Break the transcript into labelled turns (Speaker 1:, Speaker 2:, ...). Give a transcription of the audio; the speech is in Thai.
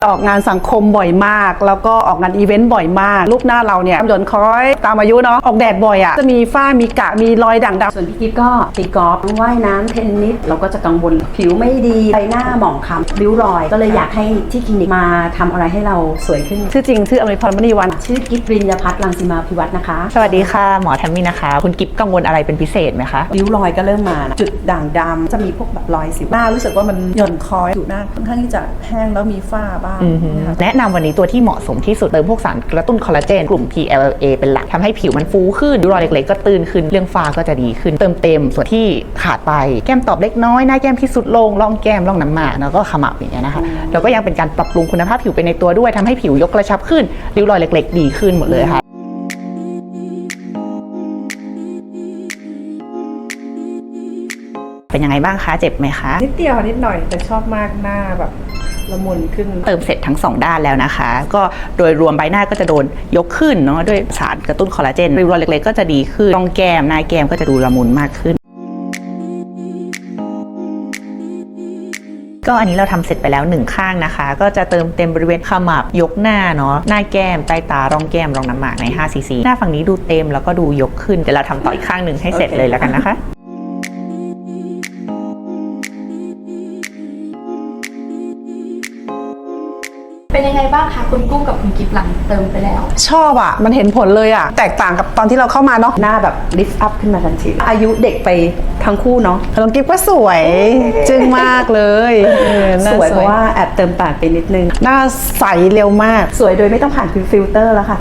Speaker 1: ออกงานสังคมบ่อยมากแล้วก็ออกงานอีเวนต์บ่อยมากรูปหน้าเราเนี่ยหย่อนคล้อยตามอายุเนาะออกแดดบ่อยอ่ะจะมีฝ้ามีกระมีรอยด่างดำ
Speaker 2: ส่วนพี่กิ๊ฟก็ตีกอล์ฟว่ายน้ำเทนนิสเราก็จะกังวลผิวไม่ดีใบหน้าหมองคล้ำริ้วรอยก็เลยอยากให้ที่คลินิกมาทำอะไรให้เราสวยขึ้น
Speaker 1: ชื่อจริงชื่ออมริพรมณีวรรณ
Speaker 2: ชื่อกิ๊ฟริญญาพัฒน์รังสีมาภิวัฒน์นะคะ
Speaker 3: สวัสดีค่ะหมอแทมมี่นะคะ คุณกิฟกังวลอะไรเป็นพิเศษไหมคะ
Speaker 2: ริ้วรอยก็เริ่มมานะ
Speaker 1: จุดด่างดำจะมีพวกแบบรอยสิวหน้ารู้สึกว่ามันหย่อนคล้อยอยู่หน้าค่อนข้างที่จะแห้งแล้วมีฝ้าบ้างนะคะ
Speaker 3: แนะนำวันนี้ตัวที่เหมาะสมที่สุดเติมพวกสารกระตุ้นคอลลาเจนกลุ่ม PLA เป็นหลักทำให้ผิวมันฟูขึ้นริ้วรอยเล็กๆก็ตื้นขึ้นเรื่องฝ้าก็จะดีขึ้นเติมเต็มส่วนที่ขาดไปแก้มตอบเล็กน้อยหน้าแก้มที่สุดลงร่องแก้มร่องน้ำหมากแล้วก็ขมับอย่างเงี้ยนะคะแล้วก็ยังเป็นการปรับปรุงคุณภาพผิวไปในตัวด้วยทำให้ผิวยกกระชับขึ้นริ้วรอยเล็กๆดีขึ้นหมดเลยค่ะเป็นยังไงบ้างคะเจ็บไหมคะ
Speaker 1: นิดเดียวนิดหน่อยแต่ชอบมากหน้าแบบละมุนขึ้น
Speaker 3: เติมเสร็จทั้ง2ด้านแล้วนะคะก็โดยรวมใบหน้าก็จะโดนยกขึ้นเนาะด้วยสารกระตุ้นคอลลาเจนริ้วรอยเล็กๆก็จะดีขึ้นร่องแก้มหน้าแก้มก็จะดูละมุนมากขึ้นก็อันนี้เราทำเสร็จไปแล้ว1ข้างนะคะก็จะเติมเต็มบริเวณขมับยกหน้าเนาะหน้าแก้มใต้ตาร่องแก้มร่องน้ำหมากใน5 cc หน้าฝั่งนี้ดูเต็มแล้วก็ดูยกขึ้นเดี๋ยวเราทำต่ออีกข้างหนึ่งให้เสร็จเลยแล้วกันนะคะ
Speaker 4: เป็นยังไงบ้างคะคุณกุ้งกับคุณกิฟหลังเติมไปแล้ว
Speaker 1: ชอบอ่ะมันเห็นผลเลยอ่ะแตกต่างกับตอนที่เราเข้ามาเนาะ
Speaker 2: หน้าแบบลิฟต์อัพขึ้นมาทันทีอายุเด็กไปทั้งคู่เนาะ
Speaker 1: น้องกิ๊บก็สวยจึ้งมากเลยหน้
Speaker 2: สวยเพราะว่าแอบเติมปากไปนิดนึง
Speaker 1: หน้าใสเร็วมาก
Speaker 2: สวยโดยไม่ต้องผ่านฟิลเตอร์แล้วค่ะ